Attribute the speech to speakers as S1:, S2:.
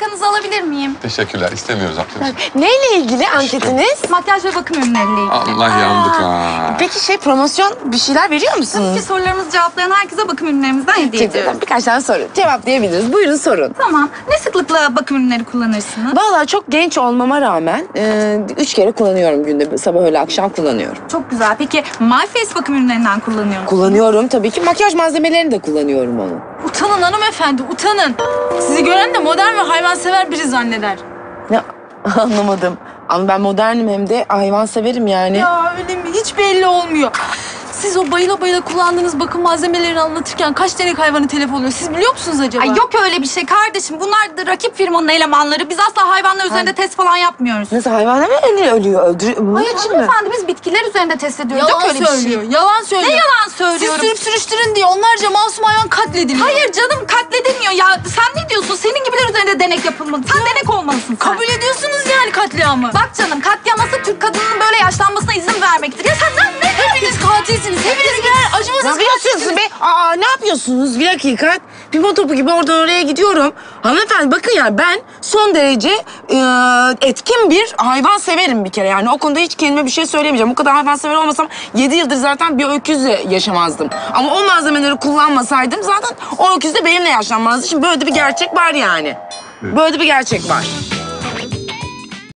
S1: dakikanızı alabilir miyim?
S2: Teşekkürler. İstemiyoruz ablacığım.
S3: Neyle ilgili anketiniz?
S1: Makyaj ve bakım ürünleriyle ilgili.
S2: Allah yandık ha.
S3: Peki promosyon bir şeyler veriyor musunuz?
S1: Tabii ki sorularımızı cevaplayan herkese bakım ürünlerimizden hediye ediyoruz.
S3: Birkaç tane soru cevaplayabiliriz. Buyurun sorun.
S1: Tamam. Ne sıklıkla bakım ürünleri kullanırsınız?
S3: Vallahi çok genç olmama rağmen 3 kere kullanıyorum günde. Sabah öğle akşam kullanıyorum.
S1: Çok güzel. Peki My Face bakım ürünlerinden kullanıyor musunuz?
S3: Kullanıyorum tabii ki. Makyaj malzemelerini de kullanıyorum onu.
S4: Utanın hanımefendi, utanın. Sizi gören de modern ve hayvansever biri zanneder.
S3: Ne anlamadım. Ama ben modernim hem de hayvan severim yani.
S4: Ya öyle mi? Hiç belli olmuyor. Siz o bayıla bayıla kullandığınız bakım malzemelerini anlatırken kaç tane hayvanı telef oluyor? Siz biliyor musunuz acaba?
S1: Ay yok öyle bir şey kardeşim. Bunlar da rakip firmanın elemanları. Biz asla hayvanlar üzerinde test falan yapmıyoruz.
S3: Nasıl hayvanlar mı ölüyor? Bunun
S1: Hayır
S3: için mi?
S1: hanımefendi biz bitkiler üzerinde test ediyoruz.
S4: Yalan
S1: Yok öyle
S4: söylüyor,
S1: bir şey.
S4: yalan söylüyor.
S1: Ne yalan
S4: Siz
S1: söylüyorum?
S4: sürüp sürüştürün diye onlarca masum hayvan katlediliyor.
S1: Hayır canım katledilmiyor ya. Sen ne diyorsun? Senin gibiler üzerinde denek yapılmalı. Sen denek olmalısın sen.
S4: Kabul ediyorsunuz yani katliamı.
S1: Bak canım katliaması Türk kadının böyle yaşlanmasına izin vermektir. Ya sen ne
S4: Hepiniz katilsiniz. Hepiniz birer
S3: Ne
S4: acımasız
S3: yapıyorsunuz be? Ne yapıyorsunuz? Bir dakika. Pimpon topu gibi oradan oraya gidiyorum. Hanımefendi bakın ya ben son derece etkin bir hayvan severim bir kere. Yani o konuda hiç kendime bir şey söyleyemeyeceğim. O kadar hayvan sever olmasam 7 yıldır zaten bir öküzle yaşamazdım. Ama o malzemeleri kullanmasaydım zaten o öküz de benimle yaşlanmazdı. Şimdi böyle de bir gerçek var yani. Böyle de bir gerçek var.